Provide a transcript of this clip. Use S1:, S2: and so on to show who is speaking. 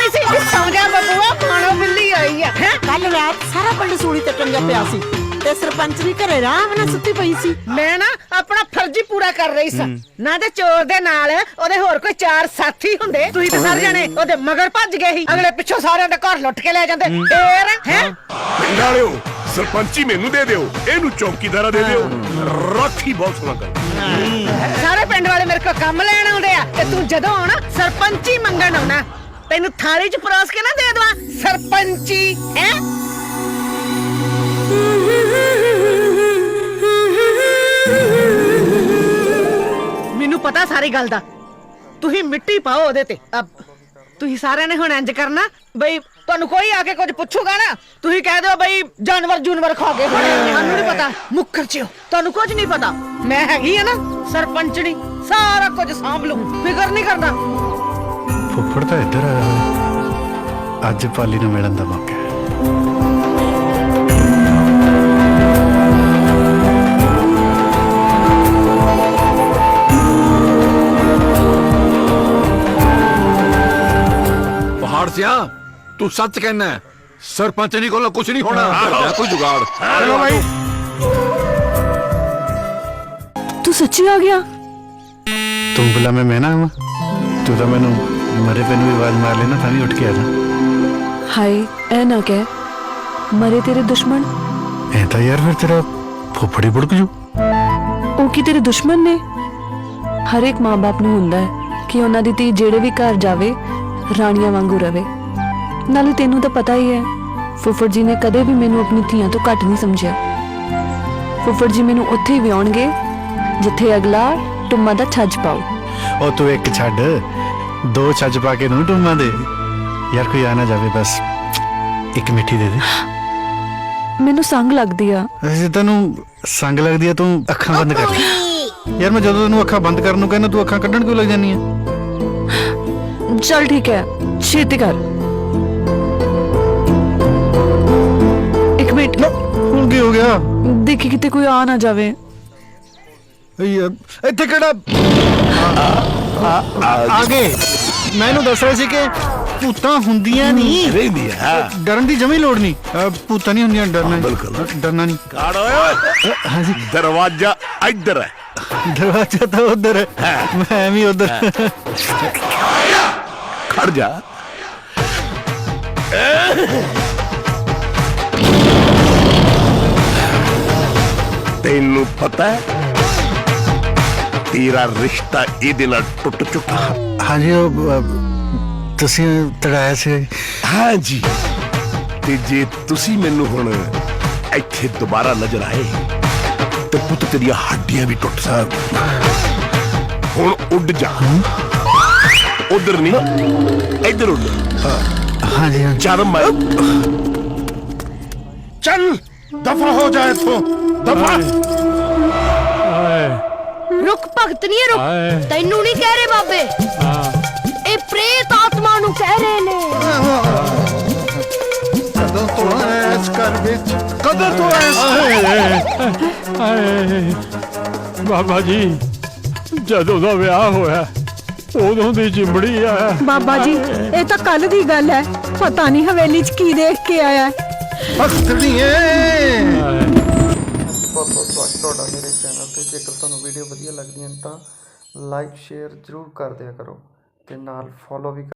S1: ਪਈ ਸੀ ਸੌਂ ਜਾ ਬੱਬੂਆ ਖਾਣੋ ਬਿੱਲੀ ਆਈ ਆ ਹੈ।
S2: ਕੱਲ ਰਾਤ ਸਾਰਾ ਪਿੰਡ ਸੂਲੀ ਤੇ ਟੰਗਿਆ ਪਿਆ ਸੀ ਤੇ ਸਰਪੰਚ ਵੀ ਘਰੇ ਆਰਾਮ ਨਾਲ ਸੁੱਤੀ ਪਈ ਸੀ।
S1: ਮੈਂ ਨਾ ਆਪਣਾ ਫਰਜ਼ ਹੀ ਪੂਰਾ ਕਰ ਰਹੀ ਸਾਂ ਨਾ ਤੇ ਚੋਰ ਦੇ ਨਾਲ ਉਹਦੇ ਹੋਰ ਕੋਈ ਚਾਰ ਸਾਥੀ ਹੁੰਦੇ ਤੁਸੀਂ ਤਾਂ ਸਾਰੇ ਜਣੇ ਉਹਦੇ ਮਗਰ ਭੱਜ ਗਏ ਸੀ ਅਗਲੇ ਪਿੱਛੋਂ ਸਾਰਿਆਂ ਦੇ ਘਰ ਲੁੱਟ ਕੇ ਲੈ ਜਾਂਦੇ ਫੇਰ ਹੈ।
S3: ਪਿੰਡ ਵਾਲਿਓ ਸਰਪੰਚੀ ਮੈਨੂੰ ਦੇ ਦਿਓ, ਇਹਨੂੰ ਚੌਕੀਦਾਰਾ ਦੇ ਦਿਓ, ਰਾਖੀ ਬਹੁਤ ਸੋਹਣਾ ਕਰ।
S1: ਸਾਰੇ ਪਿੰਡ ਵਾਲੇ ਮੇਰੇ ਕੋਲ ਕੰਮ ਲੈਣ ਆਉਂਦੇ ਆ ਤੇ ਤੂੰ ਜਦੋਂ ਆਉਣਾ ਸਰਪੰਚੀ ਮੰਗਣ ਆਉਣਾ ਤੈਨੂੰ ਥਾਲੀ 'ਚ ਪਰੋਸ ਕੇ ਨਾ ਦੇ ਦਵਾਂ ਸਰਪੰਚੀ ਹੈ। ਮੈਨੂੰ ਪਤਾ ਸਾਰੀ ਗੱਲ ਦਾ ਤੁਸੀਂ ਮਿੱਟੀ ਪਾਓ ਉਹਦੇ ਤੇ। ਤੁਸੀਂ ਸਾਰਿਆਂ ਨੇ ਹੁਣ ਇੰਜ ਕਰਨਾ ਬਈ ਤੁਹਾਨੂੰ ਕੋਈ ਆ ਕੇ ਕੁਝ ਪੁੱਛੂਗਾ ਨਾ ਤੁਸੀਂ ਕਹਿ ਦਿਓ ਬਈ ਜਾਨਵਰ ਖਾ ਗਏ ਸਾਨੂੰ ਨਹੀਂ ਪਤਾ ਮੁੱਕਰ ਜਿਓ ਤੁਹਾਨੂੰ ਕੁਝ ਨਹੀਂ ਪਤਾ ਮੈਂ ਹੈਗੀ ਆ ਨਾ ਸਰਪੰਚਣੀ ਸਾਰਾ ਕੁਝ ਸਾਂਭ ਲੂ ਫਿਕਰ ਨਹੀਂ ਕਰਦਾ।
S4: ਫੁੱਫੜ ਤਾਂ ਇੱਧਰ ਆਇਆ ਹੋਇਆ। ਅੱਜ ਪਾਲੀ ਨੂੰ ਮਿਲਣ ਦਾ ਮੌਕਾ ਹੈ।
S5: पहाड़ सिया तू सच कहना है सरपंचनी को कुछ नहीं होना कोई जुगाड़।
S3: ਚਲੋ ਭਾਈ
S6: तू सच्ची आ गया?
S4: ਤੂੰ ਬੁਲਾ ਮੈਂ ਨਾ ਆਵਾਂ। ਤੂੰ ਤਾਂ ਮੈਨੂੰ ਮਰੇ ਪੈ ਨੂੰ ਵੀ ਆਵਾਜ਼ ਮਾਰ ਲੈਣਾ ਤਾਂ ਵੀ ਉੱਠ ਕੇ ਆ ਜਾ।
S6: हाय ऐ ना कह मरे तेरे दुश्मन
S4: ਐ ਤਾਂ ਯਾਰ ਫਿਰ ਤੇਰਾ ਫੁੱਫੜੀ ਬੁੜਕ ਜੂ।
S6: ਉਹ ਕੀ ਤੇਰੇ ਦੁਸ਼ਮਣ ਨੇ? ਹਰ ਇੱਕ ਮਾਂ-ਬਾਪ ਨੂੰ ਹੁੰਦਾ ਹੈ ਕਿ ਉਹਨਾਂ ਦੀ ਧੀ ਜਿਹੜੇ ਵੀ ਘਰ ਜਾਵੇ ਰਾਣੀਆਂ ਵਾਂਗੂ ਰਵੇ। ਨਾਲੇ ਤੈਨੂੰ ਤਾਂ ਪਤਾ ਹੀ ਹੈ ਫੁੱਫੜ ਜੀ ਨੇ ਕਦੇ ਵੀ ਮੈਨੂੰ ਆਪਣੀ ਧੀਆਂ ਤੋਂ ਘੱਟ ਨਹੀਂ ਸਮਝਿਆ। ਫੁੱਫੜ ਜੀ ਮੈਨੂੰ ਉੱਥੇ ਹੀ ਵਿਆਉਣਗੇ ਜਿੱਥੇ ਅਗਲਾ ਟੁੰਮਾਂ ਦਾ ਛੱਜ ਪਾਉ।
S4: ਉਹ ਤੂੰ ਇੱਕ ਛੱਡ ਦੋ ਛੱਜ ਪਾ ਕੇ ਨੂੰ ਟੁੰਮਾਂ ਦੇ। ਯਾਰ ਕੋਈ ਆ ਨਾ ਜਾਵੇ ਬਸ ਇੱਕ ਮਿੱਠੀ ਦੇ ਦੇ।
S6: ਮੈਨੂੰ ਸੰਗ ਲੱਗਦੀ ਆ।
S4: ਜੇ ਤੈਨੂੰ ਸੰਗ ਲੱਗਦੀ ਆ ਤੂੰ ਅੱਖਾਂ ਬੰਦ ਕਰ ਲੈ। ਯਾਰ ਮੈਂ ਜਦੋਂ ਤੈਨੂੰ ਅੱਖਾਂ ਬੰਦ ਕਰਨ ਨੂੰ ਕਹਿੰਦਾ ਤੂੰ ਅੱਖਾਂ ਕੱਢਣ ਕਿਉਂ ਲੱਗ ਜਾਂਦੀ ਆ?
S6: चल ठीक है छेती कर। एक मिनट
S4: ਹੁਣ ਕੀ ਹੋ ਗਿਆ?
S6: देखी किते कोई आ ना जावे।
S4: ਯਾਰ ਇੱਥੇ ਕਿਹੜਾ ਆ ਗਏ? ਮੈਂ ਇਹਨੂੰ ਦੱਸ ਰਿਹਾ ਸੀ ਕਿ ਭੂਤਾਂ ਹੁੰਦੀਆਂ ਨਹੀਂ
S3: ਰਹਿੰਦੀ ਆ
S4: ਡਰਨ ਦੀ ਜਮੀ ਲੋੜ ਨਹੀਂ। ਭੂਤਾਂ ਨਹੀਂ ਹੁੰਦੀਆਂ ਡਰਨਾ ਡਰਨਾ ਨਹੀਂ।
S3: ਕਾੜ ਓਏ
S4: ਹਾਂਜੀ
S3: ਦਰਵਾਜ਼ਾ ਇੱਧਰ ਹੈ।
S4: ਦਰਵਾਜ਼ਾ ਤਾਂ ਉਧਰ ਹੈ ਮੈਂ ਵੀ ਉਧਰ।
S3: ਖੜ ਜਾ ਤੈਨੂੰ ਪਤਾ ਹੈ ਤੇਰਾ ਰਿਸ਼ਤਾ ਇਹਦੇ ਨਾਲ ਟੁੱਟ ਚੁੱਕਾ।
S4: ਹਾਂਜੀ ਉਹ ਤੁਸੀਂ ਤੜਾਇਆ ਸੀ।
S3: ਹਾਂਜੀ ਤੇ ਜੇ ਤੁਸੀਂ ਮੈਨੂੰ ਹੁਣ ਇੱਥੇ ਦੁਬਾਰਾ ਨਜ਼ਰ ਆਏ ਤੇ ਪੁੱਤ ਤੇਰੀਆਂ ਹੱਡੀਆਂ ਵੀ ਟੁੱਟ ਸਕ। ਹੁਣ ਉੱਡ ਜਾ ਉਧਰ ਨਹੀਂ ਇੱਧਰ ਉੱਡ।
S4: ਹਾਂਜੀ
S3: ਚੱਲ ਮੈਂ ਚੱਲ ਦਫਾ ਹੋ ਜਾ ਇੱਥੋਂ ਦਫਾ।
S7: रुक भगत नहीं है रुक तेनू नहीं कह रहे बाबे ए प्रेत आत्मा नु कह रहे ने।
S4: ਕਦੋਂ ਤੋਂ ਇਸ ਘਰ ਵਿੱਚ ਕਦੋਂ ਤੋਂ
S8: ਬਾਬਾ ਜੀ ਜਦੋਂ ਦਾ ਵਿਆਹ ਹੋਇਆ ਉਦੋਂ ਦੀ ਚਿੰਬੜੀ ਆ।
S2: ਬਾਬਾ ਜੀ ਇਹ ਤਾਂ ਕੱਲ ਦੀ ਗੱਲ ਹੈ ਪਤਾ ਨਹੀਂ ਹਵੇਲੀ 'ਚ ਕੀ ਦੇਖ ਕੇ ਆਇਆ।
S9: ਬਹੁਤ ਬਹੁਤ ਤੁਹਾਡਾ ਮੇਰੇ ਚੈਨਲ ਤੇ। ਜੇਕਰ ਤੁਹਾਨੂੰ ਵੀਡੀਓ ਵਧੀਆ ਲੱਗਦੀਆਂ ਤਾਂ ਲਾਈਕ ਸ਼ੇਅਰ ਜ਼ਰੂਰ ਕਰ ਦਿਆ ਕਰੋ ਤੇ ਨਾਲ ਫੋਲੋ ਵੀ